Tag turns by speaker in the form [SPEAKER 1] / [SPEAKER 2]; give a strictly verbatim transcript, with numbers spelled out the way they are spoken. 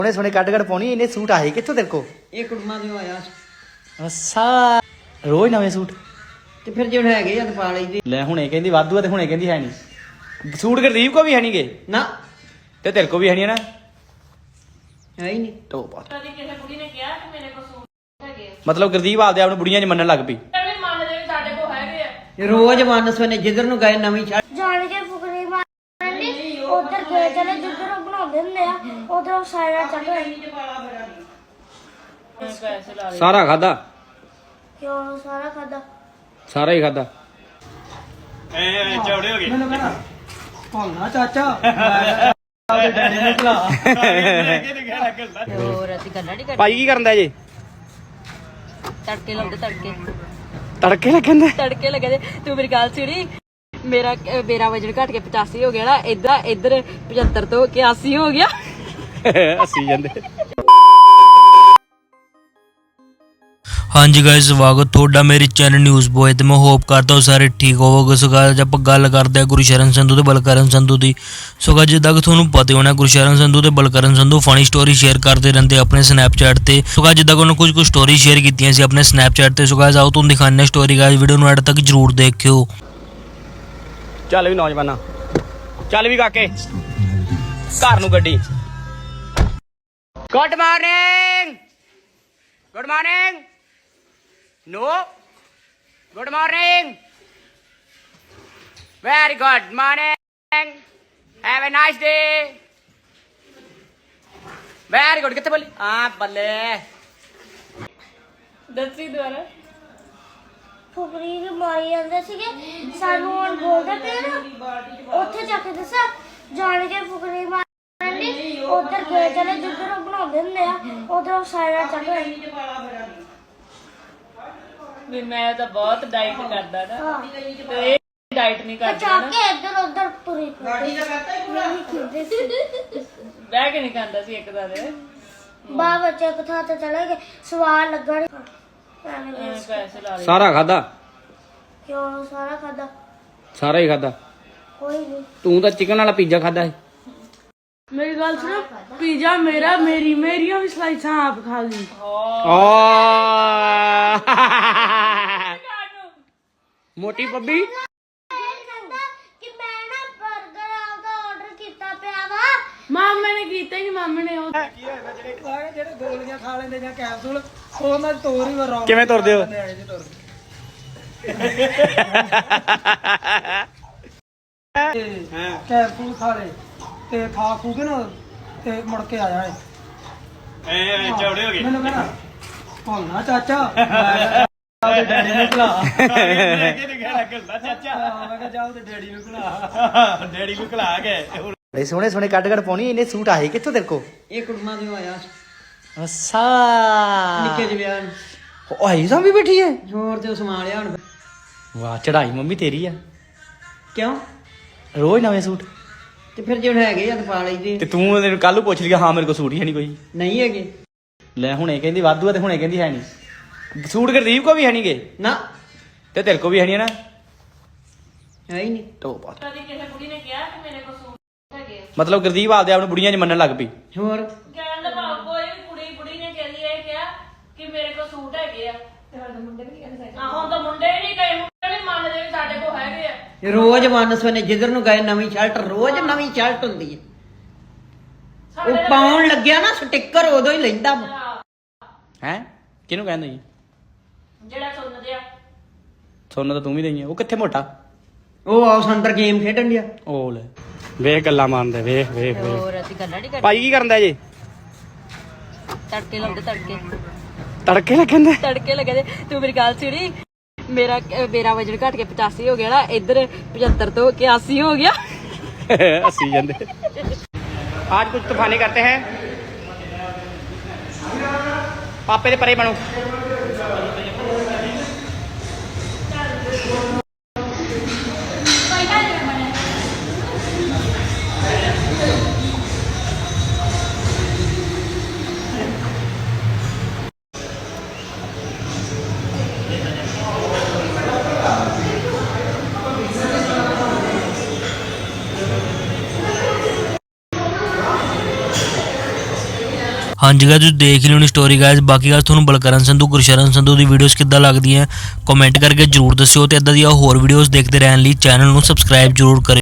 [SPEAKER 1] सोने सोने cut cut पानी इन्हें सूट आए कितों तेरे को
[SPEAKER 2] ਇਹ ਕੁੜਮਾ ਦੇ ਆਇਆ
[SPEAKER 1] ਅੱਛਾ ਰੋਜ਼ ਨਵੇਂ ਸੂਟ
[SPEAKER 2] ਤੇ ਫਿਰ ਜਿਹੜੇ ਹੈਗੇ ਆ ਤੇ ਪਾ ਲਈਦੇ
[SPEAKER 1] ਲੈ ਹੁਣੇ ਕਹਿੰਦੀ ਵਾਧੂ ਆ ਤੇ ਹੁਣੇ ਕਹਿੰਦੀ ਹੈ ਨਹੀਂ ਸੂਟ ਗਰੀਬ ਕੋ ਵੀ ਹੈ ਨਹੀਂਗੇ
[SPEAKER 2] ਨਾ
[SPEAKER 1] ਤੇ ਤੇਰੇ ਕੋ ਵੀ ਹੈ ਨਹੀਂ ਨਾ
[SPEAKER 2] ਹੈ ਹੀ ਨਹੀਂ
[SPEAKER 1] ਤੋ ਬਾਤ
[SPEAKER 3] ਕਦੀ ਕਿਸੇ ਕੁੜੀ ਨੇ ਕਿਹਾ ਕਿ ਮੇਰੇ ਕੋਲ ਸੂਟ ਹੈਗੇ ਆ
[SPEAKER 1] ਮਤਲਬ ਗੁਰਦੀਪ ਆਪਦੇ ਆਪ ਨੂੰ ਬੁੜੀਆਂ 'ਚ ਮੰਨਣ ਲੱਗ ਪਈ
[SPEAKER 3] ਐਵੇਂ ਮੰਨਦੇ ਵੀ ਸਾਡੇ ਕੋਲ ਹੈਗੇ ਆ
[SPEAKER 2] ਰੋਜ਼ ਮਾਨਸਵਨੇ ਜਿੱਧਰ ਨੂੰ ਗਏ ਨਵੀਂ ਛੱਡ
[SPEAKER 4] ਜਾਣ ਕੇ ਫੁਕਰੀ ਮਾਰਨੀ ਉਧਰ ਗਏ ਚਲੇ ਜਿੱਧਰ ਉਹ ਬਣਾਉਂਦੇ ਹੁੰਦੇ ਆ ਉਧਰ ਸਾਇਰਾ ਚੱਲ ਰਹੀ
[SPEAKER 3] ਪੈਸੇ ਲਾ
[SPEAKER 1] ਸਾਰਾ ਖਾਦਾ
[SPEAKER 4] ਕਿਉਂ ਸਾਰਾ ਖਾਦਾ
[SPEAKER 1] ਸਾਰਾ ਹੀ ਖਾਦਾ
[SPEAKER 5] ਐ ਚੌੜੇ ਹੋ ਗਏ
[SPEAKER 2] ਮੈਨੂੰ ਕਹਿੰਦਾ ਭੌਣਾ ਚਾਚਾ ਆਪਦੇ ਡੈਡੀ ਨੂੰ ਖਿਲਾ
[SPEAKER 3] ਹੋਰ ਅਸੀਂ ਗੱਲਾਂ ਨਹੀਂ
[SPEAKER 1] ਭਾਈ ਕੀ ਕਰਨ ਦਾ ਜੇ
[SPEAKER 3] ਤੜਕੇ ਲਾਉਂਦੇ ਤੜਕੇ
[SPEAKER 1] ਤੜਕੇ ਲੱਗਣ ਦੇ
[SPEAKER 3] ਤੜਕੇ ਲੱਗੇ ਤੂੰ ਮੇਰੀ ਗੱਲ ਸੁਣੀ ਮੇਰਾ ਮੇਰਾ ਵਜਨ ਘਟ ਕੇ ਪਚਾਸੀ ਹੋ ਗਿਆ ਨਾ ਇਦਾਂ ਇੱਧਰ ਪਝੱਤਰ ਤੋਂ ਇਕਿਆਸੀ ਹੋ ਗਿਆ
[SPEAKER 1] ਹੱਸੀ ਜਾਂਦੇ
[SPEAKER 6] ਹਾਂਜੀ ਗਾਇਸ ਸਵਾਗਤ ਤੁਹਾਡਾ ਮੇਰੇ ਚੈਨਲ ਨਿਊਜ਼ ਬੋਏ ਤੇ ਮੈਂ ਹੋਪ ਕਰਦਾ ਹਾਂ ਸਾਰੇ ਠੀਕ ਹੋਵੋਗੇ। ਸੋ ਗਾਇਸ ਆਪਾਂ ਗੱਲ ਕਰਦੇ ਹਾਂ ਗੁਰਸ਼ਰਨ ਸੰਧੂ ਤੇ ਬਲਕਰਨ ਸੰਧੂ ਦੀ। ਸੋ ਗਾਇਸ ਜਿੱਦਾਂ ਕਿ ਤੁਹਾਨੂੰ ਪਤਾ ਹੋਣਾ ਗੁਰਸ਼ਰਨ ਸੰਧੂ ਤੇ Balkaran Sandhu funny story share ਕਰਦੇ ਰਹਿੰਦੇ ਆਪਣੇ ਸਨੈਪਚੈਟ ਤੇ। ਸੋ ਗਾਇਸ ਜਿੱਦਾਂ ਕਿ ਉਹਨਾਂ ਕੁਝ ਕੁ ਸਟੋਰੀ ਸ਼ੇਅਰ ਕੀਤੀਆਂ ਸੀ ਆਪਣੇ ਸਨੈਪਚੈਟ ਤੇ। ਸੋ ਗਾਇਸ ਆਓ ਤੁਹਾਨੂੰ ਦਿਖਾਉਂਦੇ ਹਾਂ ਸਟੋਰੀ ਗਾਇਸ ਵੀਡੀਓ ਨੂੰ ਐਡ ਤੱਕ ਜਰੂਰ ਦੇਖਿਓ।
[SPEAKER 1] ਚੱਲ ਵੀ ਨੌਜਵਾਨਾ ਚੱਲ ਵੀ ਕਾਕੇ ਘਰ ਨੂੰ ਗੱਡੀ good morning good morning No. Good morning. Very good morning. Have a nice day. Very good. कितने बोली? हाँ बल्ले.
[SPEAKER 3] ਦੱਸੀ ਦੁਆਰਾ
[SPEAKER 4] ਫੁਕਰੀ ਨੂੰ ਮਾਰੀ ਜਾਂਦੇ ਸੀਗੇ ਸਾਨੂੰ ਹੁਣ ਬੋਲਦੇ ਪਏ ਨਾ ਉੱਥੇ ਜਾ ਕੇ ਦੱਸਿਆ ਜਾਣ ਕੇ ਫੁਕਰੀ ਮਾਰਨੀ ਉਧਰ ਗਏ ਚਲੇ ਜਿੱਧਰ ਉਹ ਬਣਾਉਂਦੇ ਹੁੰਦੇ ਆ ਉਧਰ ਸਾਇਰਾ ਚੱਲ ਰਹੀ
[SPEAKER 3] ਵੀ ਮੈਂ ਤਾਂ ਬਹੁਤ ਡਾਈਟ ਕਰਦਾ ਨਾ
[SPEAKER 4] ਹਾਂ
[SPEAKER 3] ਤੇ ਇਹ ਡਾਈਟ ਨਹੀਂ ਕਰਦਾ
[SPEAKER 4] ਜਾ
[SPEAKER 3] ਨਾ
[SPEAKER 4] ਕੇ ਇੱਧਰ ਉੱਧਰ ਤੁਰੀ ਗਾੜੀ ਦਾ ਕਰਤਾ ਹੀ ਪੂਰਾ ਸੀ
[SPEAKER 3] ਬਹਿ ਕੇ ਨਹੀਂ ਖਾਂਦਾ ਸੀ ਇੱਕ ਦਾ ਦੇ
[SPEAKER 4] ਬਾ ਬੱਚੇ ਇੱਕ ਥਾਂ ਤੇ ਚਲੇ ਗਏ ਸਵਾਲ ਲੱਗਣ
[SPEAKER 3] ਐਵੇਂ ਪੈਸੇ ਲਾ ਲਏ
[SPEAKER 1] ਸਾਰਾ ਖਾਦਾ
[SPEAKER 4] ਕਿਉਂ ਸਾਰਾ ਖਾਦਾ
[SPEAKER 1] ਸਾਰਾ ਹੀ ਖਾਦਾ
[SPEAKER 4] ਕੋਈ ਨਹੀਂ
[SPEAKER 1] ਤੂੰ ਤਾਂ ਚਿਕਨ ਵਾਲਾ ਪੀਜ਼ਾ ਖਾਦਾ ਸੀ
[SPEAKER 7] ਮੇਰੀ ਗੱਲ ਸੁਣੋ ਪੀਜ਼ਾ ਮੇਰਾ ਮੇਰੀ ਮੇਰੀਆਂ ਵੀ ਸਲਾਈਸਾਂ ਆਪ ਖਾ ਲਈ
[SPEAKER 1] ਮੋਟੀ ਬੱਬੀ
[SPEAKER 4] ਕਿ ਮੈਂ ਨਾ 버ਗਰ ਆਉਂਦਾ ਆਰਡਰ ਕੀਤਾ ਪਿਆ ਵਾ
[SPEAKER 7] ਮਾਮੇ ਨੇ ਕੀਤਾ ਹੀ ਨਹੀਂ ਮਾਮੇ ਨੇ ਉਹ
[SPEAKER 2] ਜਿਹੜੇ ਗੋਲੀਆਂ ਖਾ ਲੈਂਦੇ ਜਾਂ ਕੈਪਸੂਲ ਉਹ ਨਾਲ ਤੋਰ ਹੀ ਵਰੋਂ
[SPEAKER 1] ਕਿਵੇਂ ਤੁਰਦੇ ਹੋ
[SPEAKER 2] ਕੈਪਸੂਲ ਖਾ ਲੈ ਤੇ ਖਾ ਖੂ ਕੇ ਨਾ ਤੇ ਮੁੜ ਕੇ ਆਇਆ ਏ
[SPEAKER 5] ਐ ਚੌੜੇ ਹੋ ਗਏ
[SPEAKER 2] ਮੈਨੂੰ ਕਹਿੰਦਾ ਭੌਣਾ ਚਾਚਾ ਆਪਦੇ ਡੈਡੀ ਨੂੰ ਖਿਲਾ
[SPEAKER 5] ਚਾਚਾ
[SPEAKER 2] ਮੈਂ ਕਿਹਾ ਜਾ ਉਹਦੇ ਡੈਡੀ ਨੂੰ ਖਿਲਾ
[SPEAKER 5] ਡੈਡੀ ਨੂੰ ਖਿਲਾ ਕੇ
[SPEAKER 1] ਬੜੇ ਸੋਹਣੇ ਸੋਹਣੇ ਕੱਟ ਕੱਟ ਪਾਉਣੀ ਇਹਨੇ ਸੂਟ ਆਏ ਕਿੱਥੋਂ ਤੇਰੇ ਕੋ
[SPEAKER 2] ਇਹ ਕੁੜਮਾ ਦੇ ਆਇਆ
[SPEAKER 1] ਅੱਛਾ
[SPEAKER 2] ਨਿੱਕੇ ਜਿਹੇ ਵਿਆਹ ਨੂੰ
[SPEAKER 1] ਉਹ ਆਈ ਸਾਂ ਵੀ ਬੈਠੀ ਹੈ
[SPEAKER 2] ਹੋਰ ਤੇ ਸੰਭਾਲਿਆ ਹੁਣ
[SPEAKER 1] ਵਾਹ ਚੜਾਈ ਮੰਮੀ ਤੇਰੀ ਆ
[SPEAKER 2] ਕਿਉਂ
[SPEAKER 1] ਰੋਜ਼ ਨਵੇਂ ਸੂਟ
[SPEAKER 2] ਤੇ ਫਿਰ ਜਿਹੜੇ ਹੈਗੇ ਆ ਤੇ ਪਾ ਲਈਦੇ
[SPEAKER 1] ਤੇ ਤੂੰ ਉਹਨੂੰ ਕੱਲ ਨੂੰ ਪੁੱਛ ਲਿਆ ਹਾਂ ਮੇਰੇ ਕੋਲ ਸੂਟ ਹੀ ਹੈ ਨਹੀਂ ਕੋਈ
[SPEAKER 2] ਨਹੀਂ ਹੈਗੇ
[SPEAKER 1] ਲੈ ਹੁਣੇ ਕਹਿੰਦੀ ਵਾਧੂ ਆ ਤੇ ਹੁਣੇ ਕਹਿੰਦੀ ਹੈ ਨਹੀਂ ਸੂਟ ਗੁਰਦੀਪ ਕੋ ਵੀ ਹੈ ਨਹੀਂਗੇ
[SPEAKER 2] ਨਾ
[SPEAKER 1] ਤੇ ਤੇਰੇ ਕੋ ਵੀ ਹੈ ਨਹੀਂ ਨਾ
[SPEAKER 2] ਹੈ ਹੀ ਨਹੀਂ
[SPEAKER 1] ਤੋ ਬਾਤ
[SPEAKER 3] ਕਦੀ ਕਿਸੇ ਕੁੜੀ ਨੇ ਕਿਹਾ ਕਿ ਮੇਰੇ ਕੋਲ ਸੂਟ ਹੈਗੇ ਆ
[SPEAKER 1] ਮਤਲਬ ਗੁਰਦੀਪ ਆਪਦੇ ਆਪ ਨੂੰ ਬੁੜੀਆਂ 'ਚ ਮੰਨਣ ਲੱਗ ਪਈ
[SPEAKER 2] ਹੋਰ
[SPEAKER 3] ਕਹਿਣ ਦਾ ਭਾਵ ਕੋਈ ਵੀ ਕੁੜੀ ਕੁੜੀ ਨੇ ਕਹਿੰਦੀ ਇਹ ਕਿਹਾ ਕਿ ਮੇਰੇ ਕੋਲ ਸੂਟ ਹੈਗੇ ਆ ਤੇ ਹੁਣ ਤਾਂ ਮੁੰਡੇ ਵੀ ਕਹਿੰਦੇ ਹੁਣ ਤਾਂ ਮੁੰਡੇ ਵੀ ਨਹੀਂ ਕਈ ਮੁੰਡੇ ਨਹੀਂ ਮੰਨਦੇ ਵੀ ਸਾਡੇ ਕੋਲ ਹੈਗੇ ਆ
[SPEAKER 2] ਰੋਜ਼ ਮਾਨਸਵਨੇ ਜਿੱਧਰ ਨੂੰ ਗਏ ਨਵੀਂ ਸ਼ਰਟ ਰੋਜ਼ ਨਵੀਂ ਸ਼ਰਟ ਹੁੰਦੀ ਹੈ ਉਹ ਪਾਉਣ ਲੱਗਿਆ ਨਾ ਸਟicker ਉਦੋਂ ਹੀ ਲੈਂਦਾ
[SPEAKER 1] ਹੈ ਕਿਹਨੂੰ ਕਹਿੰਦਾ ਜੀ
[SPEAKER 3] ਜਿਹੜਾ ਸੁਣਦੇ ਆ
[SPEAKER 1] ਸੋਨਾ ਤਾਂ ਤੂੰ ਵੀ ਦਈ ਉਹ ਕਿੱਥੇ ਮੋਟਾ
[SPEAKER 2] ਉਹ ਆਉਸ ਅੰਦਰ ਗੇਮ ਖੇਡਣ ਡਿਆ
[SPEAKER 1] ਉਹ ਲੈ ਵੇਖ ਗੱਲਾਂ ਮਾਰਦੇ ਵੇਖ ਵੇਖ ਵੇਖ
[SPEAKER 3] ਹੋਰ ਅਸੀਂ ਗੱਲਾਂ ਨਹੀਂ ਕਰਦੇ
[SPEAKER 1] ਭਾਈ ਕੀ ਕਰਨ ਦਾ ਜੇ
[SPEAKER 3] ਤੜਕੇ ਲਾਉਂਦੇ ਤੜਕੇ
[SPEAKER 1] ਤੜਕੇ ਲੱਗਣ ਦੇ
[SPEAKER 3] ਤੜਕੇ ਲੱਗੇ ਤੂੰ ਮੇਰੀ ਗੱਲ ਸੁਣੀ ਮੇਰਾ ਮੇਰਾ ਵਜਨ ਘਟ ਕੇ ਪਚਾਸੀ ਹੋ ਗਿਆ ਨਾ ਇੱਧਰ ਪਝੱਤਰ ਤੋਂ ਇਕਿਆਸੀ ਹੋ ਗਿਆ
[SPEAKER 1] हंसी जाते आज कुछ तूफानी करते हैं पापे दे परे बनो
[SPEAKER 6] ਹਾਂਜੀ ਗਾਇਸ ਤੁਸੀਂ ਦੇਖ ਲਿਓ ਨੀ ਸਟੋਰੀ ਗਾਇਸ। ਬਾਕੀ ਗਾਇਸ ਤੁਹਾਨੂੰ ਬਲਕਰਨ ਸੰਧੂ ਗੁਰਸ਼ਰਨ ਸੰਧੂ ਦੀ ਵੀਡੀਓਜ਼ ਕਿੱਦਾਂ ਲੱਗਦੀਆਂ ਕਮੈਂਟ ਕਰਕੇ ਜਰੂਰ ਦੱਸਿਓ ਤੇ ਇਦਾਂ ਦੀਆਂ ਹੋਰ ਵੀਡੀਓਜ਼ ਦੇਖਦੇ ਰਹਿਣ ਲਈ ਚੈਨਲ ਨੂੰ ਸਬਸਕ੍ਰਾਈਬ ਜਰੂਰ ਕਰਿਓ।